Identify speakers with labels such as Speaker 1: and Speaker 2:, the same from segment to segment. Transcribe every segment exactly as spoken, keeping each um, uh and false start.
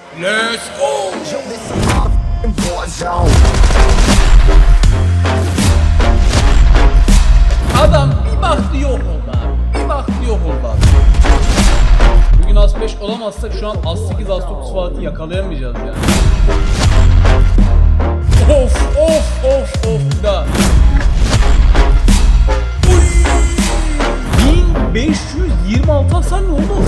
Speaker 1: Let's go. Adam bir baktı yok oldu abi. Bir baktı yok oldu abi. Bugün as beş olamazsak şu an as sekiz as dokuz Fatih'i yakalayamayacağız yani. Of of of of bir daha. bin beş yüz yirmi altı hasar ne oldu?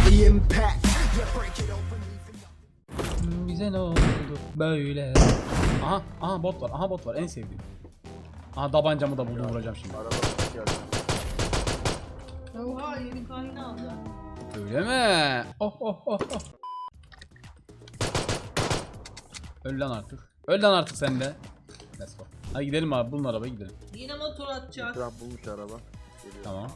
Speaker 1: Bize ne oldu böyle? Aha aha bot var, aha bot var, en sevdiğim. Aha tabancamı da buldum, vuracağım şimdi.
Speaker 2: Oha yeni kaynağı aldı.
Speaker 1: Öyle mi? Oh oh oh oh. Öl lan artık. Öl lan artık sen de. Let's go. Hadi gidelim abi, bulun arabayı gidelim.
Speaker 2: Yine motor atacak.
Speaker 3: Trump bulmuş araba. Geliyor
Speaker 1: Tamam.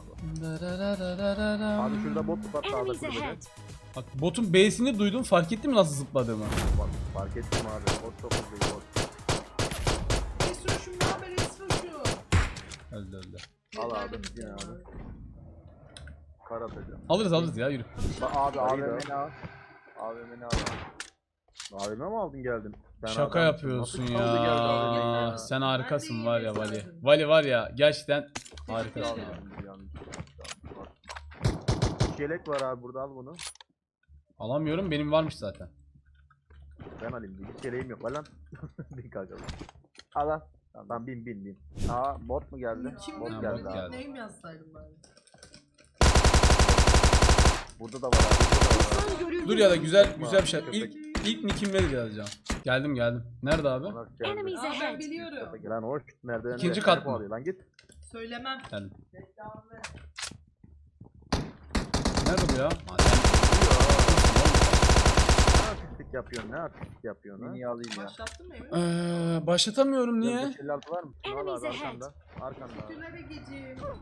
Speaker 3: Abi şurada bot var sağda
Speaker 4: Enemies
Speaker 3: kulübede.
Speaker 4: ahead.
Speaker 1: Bak botun B'sini duydum, fark ettin mi nasıl zıpladığımı?
Speaker 3: Bak fark ettim abi. Bot çok hızlı bot.
Speaker 2: Esroşum ne haber Esroşum?
Speaker 1: Öldü öldü.
Speaker 3: Al abi yine abi. Kar atacağım.
Speaker 1: Alırız alırız ya, yürü.
Speaker 3: Bak abi A V M'ni al. A V M'ni al. A V M mi aldın geldin? Sen
Speaker 1: Şaka
Speaker 3: adamsın.
Speaker 1: yapıyorsun
Speaker 3: Nasıl kaldı geldi A V M'ye?
Speaker 1: ya. Sen harikasın
Speaker 2: Ben de
Speaker 1: var ya
Speaker 2: iyi
Speaker 1: Vali.
Speaker 2: mesajım.
Speaker 1: Vali var ya gerçekten
Speaker 2: Teşekkür
Speaker 1: harikasın.
Speaker 2: ederim.
Speaker 3: Yanlış, yanlış, yanlış. Bak. Yelek var abi burada, al bunu.
Speaker 1: Alamıyorum, benim varmış zaten.
Speaker 3: Ben alayım. Hiç yeleğim yok. Al lan. Bin kanka. Al lan. Tamam bin bin bin. Aa bot mu geldi?
Speaker 2: Kim
Speaker 3: Bot
Speaker 2: bilir
Speaker 1: Ha,
Speaker 3: geldi
Speaker 1: bot
Speaker 3: abi.
Speaker 1: geldi.
Speaker 2: neyim yazsaydım bari.
Speaker 3: Burada da var abi. Burada da var.
Speaker 4: Düşman görüldü.
Speaker 1: Dur ya da güzel güzel bir şey. İlk ilk nick'im verir yazacağım. Geldim geldim. Nerede abi?
Speaker 3: Ona geldi.
Speaker 4: Enemies
Speaker 2: Aa ben
Speaker 4: ahead.
Speaker 2: biliyorum.
Speaker 3: Lan hoş nereden?
Speaker 1: İkinci kat mı?
Speaker 3: Lan git.
Speaker 2: Söylemem.
Speaker 1: Geldim.
Speaker 2: Reklamı ver.
Speaker 1: Nerede bu ya? Ha, sen-
Speaker 3: Ne artistlik yapıyorsun? Ne artistlik yapıyorsun ha? Niye alayım ya?
Speaker 2: Başlattın mı Emre?
Speaker 1: Ee, başlatamıyorum niye?
Speaker 3: beş elli altı var mı? Şunu al
Speaker 4: Enemies
Speaker 3: abi
Speaker 4: ahead.
Speaker 3: arkanda. Arkanda abi.
Speaker 2: Tülere gecim. Çok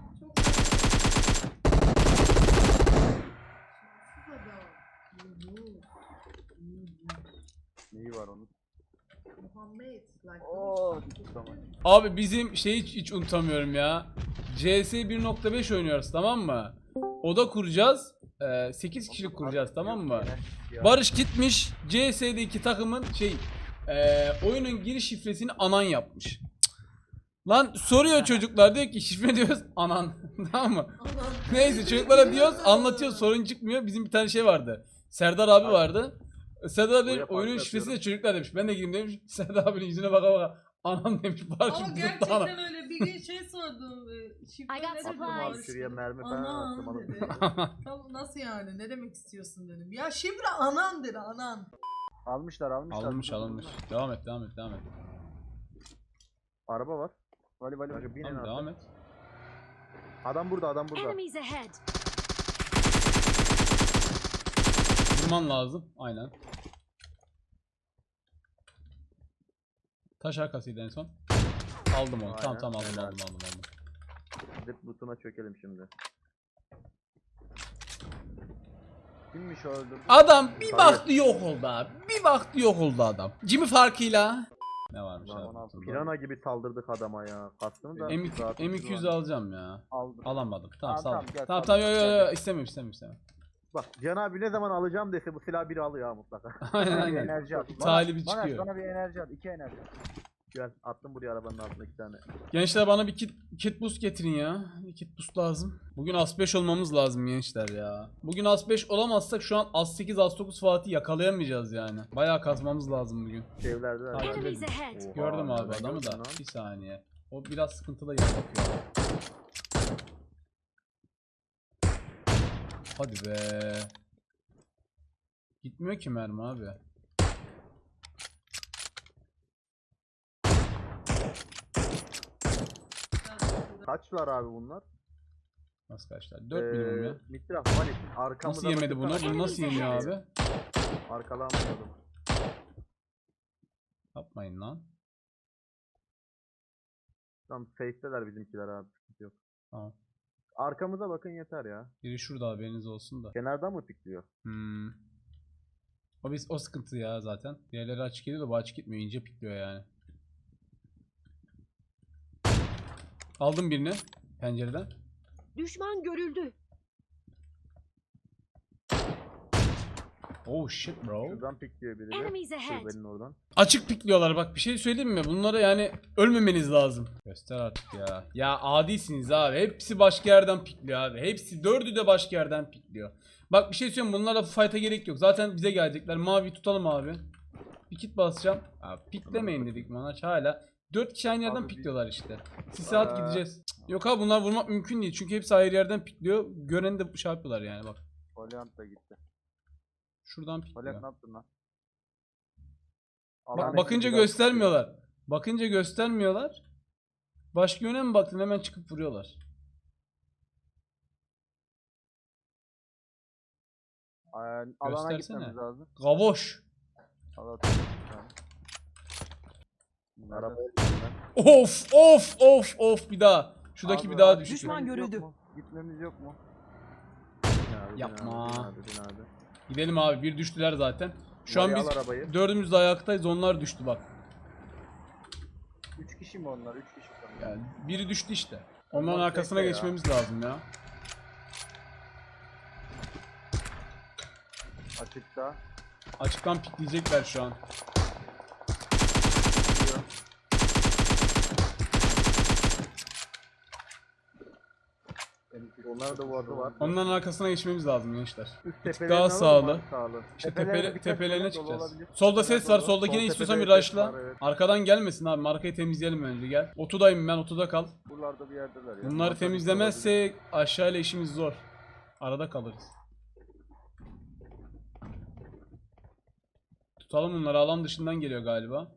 Speaker 3: Neyi var onun?
Speaker 2: Muhammed. Like
Speaker 3: Oo, tamam.
Speaker 1: Abi bizim şeyi hiç, hiç unutamıyorum ya. C S bir nokta beş oynuyoruz, tamam mı? Oda kuracağız. Ee, sekiz kişilik kuracağız, tamam mı? Barış gitmiş C S'deki takımın şey e, oyunun giriş şifresini anan yapmış. Cık. Lan soruyor çocuklar, diyor ki şifre diyoruz anan. Tamam mı?
Speaker 2: Aman.
Speaker 1: Neyse çocuklara diyoruz, anlatıyor, sorun çıkmıyor. Bizim bir tane şey vardı. Serdar abi vardı. Serdar abi
Speaker 3: Oraya
Speaker 1: oyunun
Speaker 3: fark
Speaker 1: şifresi de
Speaker 3: atıyorum.
Speaker 1: çocuklar demiş. Ben de gireyim demiş. Serdar abinin yüzüne baka baka anam demiş. Barış
Speaker 2: Ama
Speaker 1: tuttu
Speaker 2: gerçekten
Speaker 1: ana.
Speaker 2: öyle bir gün şey sordum. e, Şifre
Speaker 4: I got
Speaker 2: ne dedim?
Speaker 4: supplies.
Speaker 3: Abi şuraya mermi falan attım.
Speaker 2: Anan
Speaker 3: Anan.
Speaker 2: dedi. Tam nasıl yani? Ne demek istiyorsun dedim. Ya şifre anan dedi anan.
Speaker 3: Almışlar almışlar.
Speaker 1: Alınmış alınmış. Devam et devam et devam et.
Speaker 3: Araba var. Vali vali vali. Binin
Speaker 1: Tamam,
Speaker 3: abi.
Speaker 1: devam et.
Speaker 3: Adam burada adam burada.
Speaker 4: Enemies ahead.
Speaker 1: Vurman lazım. Aynen. Taş arkasıydı en son. Aldım onu. Tamam
Speaker 3: Aynen,
Speaker 1: tamam aldım
Speaker 3: helal.
Speaker 1: aldım aldım aldım.
Speaker 3: Gidip butuna çökelim şimdi. Kimmiş o öldürdü?
Speaker 1: Adam bir
Speaker 3: Hayır.
Speaker 1: baktı yok oldu abi. Bir baktı yok oldu adam. Jimmy farkıyla. Ne varmış
Speaker 3: Lan ona
Speaker 1: abi?
Speaker 3: pirana gibi saldırdık adama ya. Kastını da.
Speaker 1: M iki
Speaker 3: rahat
Speaker 1: M iki yüz
Speaker 3: var.
Speaker 1: alacağım ya.
Speaker 3: Aldım.
Speaker 1: Alamadım. Tamam
Speaker 3: Tamam,
Speaker 1: sağ ol.
Speaker 3: tamam, gel,
Speaker 1: Tamam
Speaker 3: tamam,
Speaker 1: tamam yo yo
Speaker 3: gel,
Speaker 1: yo istemiyorum istemiyorum istemiyorum.
Speaker 3: Bak Can abi ne zaman alacağım dese bu silah biri alıyor ha mutlaka.
Speaker 1: Aynen
Speaker 5: Bir
Speaker 1: aynen.
Speaker 5: enerji at.
Speaker 1: Talibi
Speaker 5: Bana-
Speaker 1: çıkıyor.
Speaker 5: Bana bir enerji at. İki enerji.
Speaker 3: Gel attım buraya arabanın altına iki tane.
Speaker 1: Gençler bana bir kit, kit boost getirin ya. Bir kit boost lazım. Bugün as beş olmamız lazım gençler ya. Bugün as beş olamazsak şu an as sekiz as dokuz Fatih yakalayamayacağız yani. Bayağı kazmamız lazım bugün.
Speaker 3: Evlerde de
Speaker 1: Takip
Speaker 3: var.
Speaker 4: Enemies
Speaker 1: edin.
Speaker 4: ahead.
Speaker 3: Oha,
Speaker 1: Gördüm abi
Speaker 3: ben
Speaker 1: adamı
Speaker 3: gördüm
Speaker 1: da.
Speaker 3: lan.
Speaker 1: Bir saniye. O biraz sıkıntılı yer bakıyor. Hadi be. Gitmiyor ki mermi abi.
Speaker 3: Kaçlar abi bunlar?
Speaker 1: Nasıl kaçlar? dört minimum ya.
Speaker 3: Mitraf Vali arkamıza
Speaker 1: Nasıl yemedi bunu?
Speaker 3: bakırsana.
Speaker 1: Bunu nasıl yemiyor abi?
Speaker 3: Arkalanmıyordum.
Speaker 1: Yapmayın lan.
Speaker 3: Tam safe'teler bizimkiler abi. Sıkıntı yok.
Speaker 1: Tamam.
Speaker 3: Arkamıza bakın yeter ya.
Speaker 1: Biri şurada haberiniz olsun da.
Speaker 3: Kenardan mı pikliyor?
Speaker 1: Hmm. O biz o sıkıntı ya zaten. Diğerleri açık geliyor da bu açık gitmiyor. İnce pikliyor yani. Aldım birini pencereden.
Speaker 4: Düşman görüldü.
Speaker 1: Oh shit bro.
Speaker 3: Şuradan pikliyor biri de.
Speaker 4: Enemies ahead.
Speaker 3: Kulübenin oradan.
Speaker 1: Açık pikliyorlar bak, bir şey söyleyeyim mi? Bunlara yani ölmemeniz lazım. Göster artık ya. Ya adisiniz abi. Hepsi başka yerden pikliyor abi. Hepsi dördü de başka yerden pikliyor. Bak bir şey söyleyeyim, bunlarla fight'a gerek yok. Zaten bize gelecekler. Mavi tutalım abi. Bir kit basacağım. Abi piklemeyin dedik Monaç hala. dört kişi aynı yerden
Speaker 3: Abi bir-
Speaker 1: pikliyorlar işte. Siz saat
Speaker 3: Aa.
Speaker 1: gideceğiz. Cık, yok abi bunlar vurmak mümkün değil. Çünkü hepsi ayrı yerden pikliyor. Göreni de şey yapıyorlar yani bak.
Speaker 3: Valiant da gitti.
Speaker 1: Şuradan pikliyor.
Speaker 3: Valiant ne yaptın lan?
Speaker 1: Bak,
Speaker 3: Alan
Speaker 1: bakınca
Speaker 3: ekibi biraz
Speaker 1: göstermiyorlar. Bakınca göstermiyorlar. Başka yöne mi baktın, hemen çıkıp vuruyorlar.
Speaker 3: Aa, alana
Speaker 1: Göstersene.
Speaker 3: gitmemiz lazım.
Speaker 1: Gavoş.
Speaker 3: Allah
Speaker 5: Araba
Speaker 1: Of of of of bir daha. Şuradaki
Speaker 3: Abi,
Speaker 1: bir daha
Speaker 3: abi,
Speaker 1: düştü.
Speaker 4: Düşman
Speaker 3: gitmemiz yok
Speaker 4: görüldü.
Speaker 3: mu? Gitmemiz yok mu? Bin abi, bin
Speaker 1: Yapma.
Speaker 3: abi, bin abi, bin abi.
Speaker 1: Gidelim abi, bir düştüler zaten. Şu an
Speaker 3: Oraya
Speaker 1: biz
Speaker 3: al arabayı.
Speaker 1: dördümüz de ayaktayız, onlar düştü bak.
Speaker 5: üç kişi mi onlar? üç kişi sanırım.
Speaker 1: Yani biri düştü işte. Onların
Speaker 3: Onlar
Speaker 1: arkasına
Speaker 3: tekte ya.
Speaker 1: geçmemiz lazım ya.
Speaker 3: Açıkta.
Speaker 1: Açıktan pikleyecekler şu an.
Speaker 3: Gidiyor. Onlar da vardı var.
Speaker 1: Onların arkasına geçmemiz lazım gençler.
Speaker 3: Üst
Speaker 1: Bir tık
Speaker 3: tepelerini
Speaker 1: daha
Speaker 3: alalım
Speaker 1: sağlı.
Speaker 3: abi, sağlı.
Speaker 1: İşte
Speaker 3: Tepelerine
Speaker 1: tepele,
Speaker 3: dikkat
Speaker 1: tepelerine
Speaker 3: edin, dolu
Speaker 1: çıkacağız.
Speaker 3: olabilir.
Speaker 1: Solda
Speaker 3: Tepeler
Speaker 1: ses var.
Speaker 3: dolu.
Speaker 1: Soldakine
Speaker 3: Sol
Speaker 1: istiyorsan bir
Speaker 3: tepede ses
Speaker 1: rush'la.
Speaker 3: var, evet.
Speaker 1: Arkadan gelmesin abi. Markayı temizleyelim önce gel. Otudayım ben, otuda kal.
Speaker 3: Buralarda bir yerdeler ya.
Speaker 1: Bunları
Speaker 3: Bunlar da
Speaker 1: temizlemezsek aşağıyla işimiz zor. Arada kalırız. Tutalım bunları, alan dışından geliyor galiba.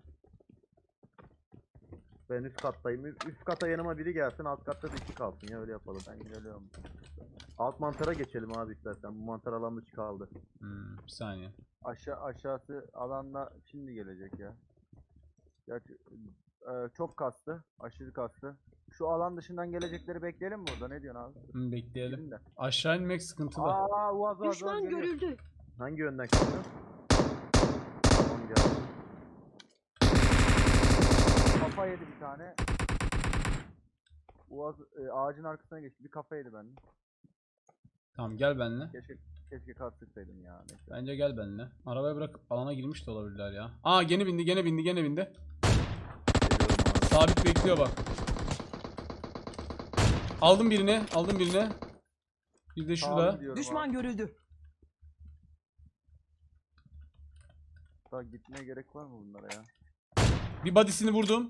Speaker 3: Ben üst kattayım. Üst kata yanıma biri gelsin, alt katta da iki kalsın ya, öyle yapalım. Ben geliyorum. Alt mantara geçelim abi istersen. Bu mantar alan dışı kaldı.
Speaker 1: Hmm, bir saniye.
Speaker 3: Aşağı aşağısı alanla şimdi gelecek ya. Gerçi e, çok kastı, aşırı kastı. Şu alan dışından gelecekleri bekleyelim mi burada? Ne diyorsun abi?
Speaker 1: Hmm, bekleyelim.
Speaker 3: Gidin de.
Speaker 1: Aşağı inmek sıkıntılı.
Speaker 3: Aa, uaz uaz
Speaker 4: Düşman
Speaker 3: uaz geliyor.
Speaker 4: görüldü.
Speaker 3: Hangi yönden çıktı? Tamam geldi. Kafa yedi bir tane. Uaz e, ağacın arkasına geçti. Bir kafa yedi benden.
Speaker 1: Tamam gel benimle.
Speaker 3: Keşke keşke kastırsaydım ya. Neyse.
Speaker 1: Bence gel benimle. Arabaya bırak, alana girmiş de olabilirler ya. Aa gene bindi, gene bindi, gene bindi.
Speaker 3: Geliyorum abi.
Speaker 1: Sabit bekliyor bak. Aldım birini, aldım birini. Bir de
Speaker 3: Sağlı
Speaker 1: şurada.
Speaker 3: gidiyorum
Speaker 4: Düşman
Speaker 3: abi.
Speaker 4: görüldü.
Speaker 3: Daha gitmeye gerek var mı bunlara ya?
Speaker 1: Bir body'sini vurdum.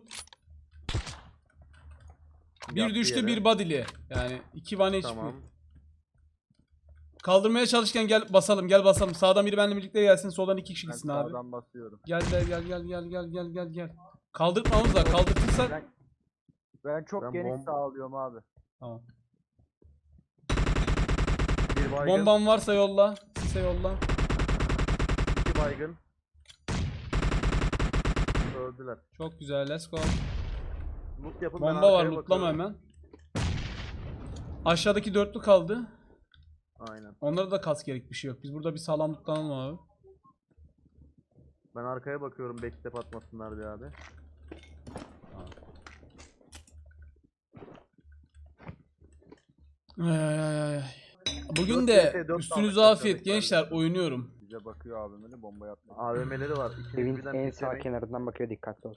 Speaker 1: Bir
Speaker 3: Yattı
Speaker 1: düştü,
Speaker 3: yere.
Speaker 1: bir body'li. Yani iki one H P.
Speaker 3: Tamam.
Speaker 1: Kaldırmaya çalışırken gel basalım, gel basalım. Sağdan biri benimle birlikte gelsin, soldan iki kişi
Speaker 3: Ben
Speaker 1: gitsin abi.
Speaker 3: sağdan basıyorum.
Speaker 1: Gel gel gel gel gel gel gel gel gel. Kaldırtmamız lazım. Kaldırtırsak
Speaker 3: Ben, ben çok
Speaker 5: Ben
Speaker 3: geniş
Speaker 5: bomb-
Speaker 3: sağlıyorum abi.
Speaker 1: tamam.
Speaker 3: Bir baygın,
Speaker 1: Bomban varsa yolla. Sise yolla.
Speaker 3: iki baygın. Öldüler.
Speaker 1: Çok güzel, let's go.
Speaker 3: Loot yapın, ben
Speaker 1: Bomba var,
Speaker 3: arkaya
Speaker 1: lootlama
Speaker 3: bakıyorum.
Speaker 1: hemen. Aşağıdaki dörtlü kaldı.
Speaker 3: Aynen.
Speaker 1: Onlara da kas gerek, bir şey yok. Biz burada bir sağlam lootlanalım abi.
Speaker 3: Ben arkaya bakıyorum, backstep atmasınlar diye abi.
Speaker 1: Ay ay ay ay. Bugün
Speaker 3: dört
Speaker 1: de
Speaker 3: vs dört
Speaker 1: üstünüze
Speaker 3: kaldık
Speaker 1: afiyet
Speaker 3: aşağıdakiler.
Speaker 1: gençler, oynuyorum.
Speaker 3: Bize bakıyor abim öyle bomba yapma. A V M'leri var. İkiniz
Speaker 5: Evin
Speaker 3: birden
Speaker 5: en sağ
Speaker 3: piklemeyin.
Speaker 5: kenarından bakıyor, dikkatli ol.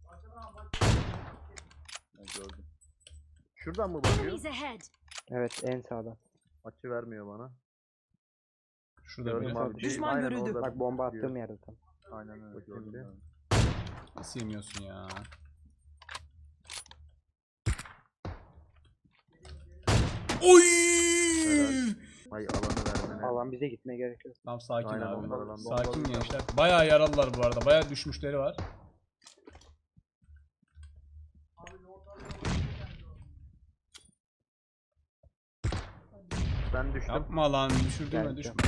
Speaker 3: Ben gördüm. Şuradan mı bakıyor?
Speaker 4: Enemies ahead.
Speaker 5: Evet, en sağda.
Speaker 3: Açı vermiyor bana.
Speaker 1: Şurada
Speaker 3: Gördüm
Speaker 1: biri.
Speaker 3: abi.
Speaker 4: Düşman
Speaker 3: Aynen
Speaker 4: görüldü.
Speaker 3: orada
Speaker 5: Bak bomba
Speaker 3: diyor.
Speaker 5: attığım yerde tam.
Speaker 3: Aynen öyle
Speaker 5: Bakayım
Speaker 3: gördüm.
Speaker 5: bir.
Speaker 3: ben.
Speaker 1: Nasıl yemiyorsun ya? Oy!
Speaker 3: Ay alanı vermene.
Speaker 5: Alan bize gitmeye gerek yok.
Speaker 1: Tamam sakin
Speaker 3: Aynen,
Speaker 1: abi.
Speaker 3: onlar alan.
Speaker 1: Sakin
Speaker 3: Bomba-
Speaker 1: gençler. Bayağı yaralılar bu arada. Bayağı düşmüşleri var.
Speaker 3: Ben düştüm.
Speaker 1: Yapma lan, düşürdüğüme
Speaker 5: Geldim.
Speaker 1: düşme.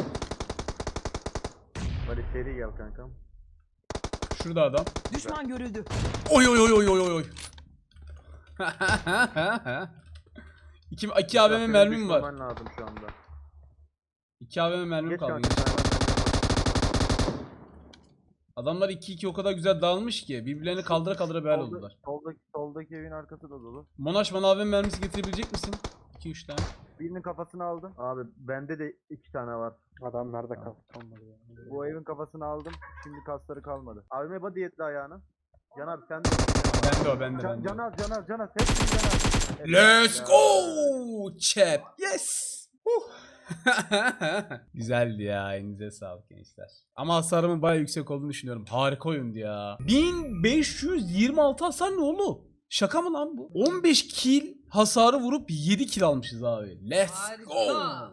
Speaker 3: Hadi seri gel kankam.
Speaker 1: Şurada adam.
Speaker 4: Düşman görüldü.
Speaker 1: Oy oy oy oy oy oy. iki, iki A V M
Speaker 3: Senin
Speaker 1: mermim var.
Speaker 3: düşmemen lazım şu anda.
Speaker 1: iki A V M mermim
Speaker 3: Geç
Speaker 1: kaldı.
Speaker 3: kanka. sen hemen sen
Speaker 1: Adamlar iki iki o kadar güzel dağılmış ki birbirlerini kaldıra kaldıra bel
Speaker 3: Solda-
Speaker 1: oldular.
Speaker 3: Soldaki, soldaki evin arkası da dolu.
Speaker 1: Monaş bana A V M mermisi getirebilecek misin? iki üç tane.
Speaker 3: Birinin kafasını aldım. Abi bende de iki tane var.
Speaker 5: Adamlar da kalktı olmadı ya.
Speaker 3: Bu evin kafasını aldım. Şimdi kasları kalmadı. Abime body yetti ayağını. Can abi sen de.
Speaker 1: Bende o bende
Speaker 3: Can,
Speaker 1: bende.
Speaker 3: can az can az can az. Hepsini can az. Evet,
Speaker 1: Let's
Speaker 3: ya.
Speaker 1: go chat. Yes. Huh. Güzeldi ya. Elinize sağlık gençler. Ama hasarımın bayağı yüksek olduğunu düşünüyorum. Harika oyundu ya. bin beş yüz yirmi altı hasar ne oğlum? Şaka mı lan bu? on beş kill hasarı vurup yedi kill almışız abi. Let's
Speaker 2: Harika.
Speaker 1: go.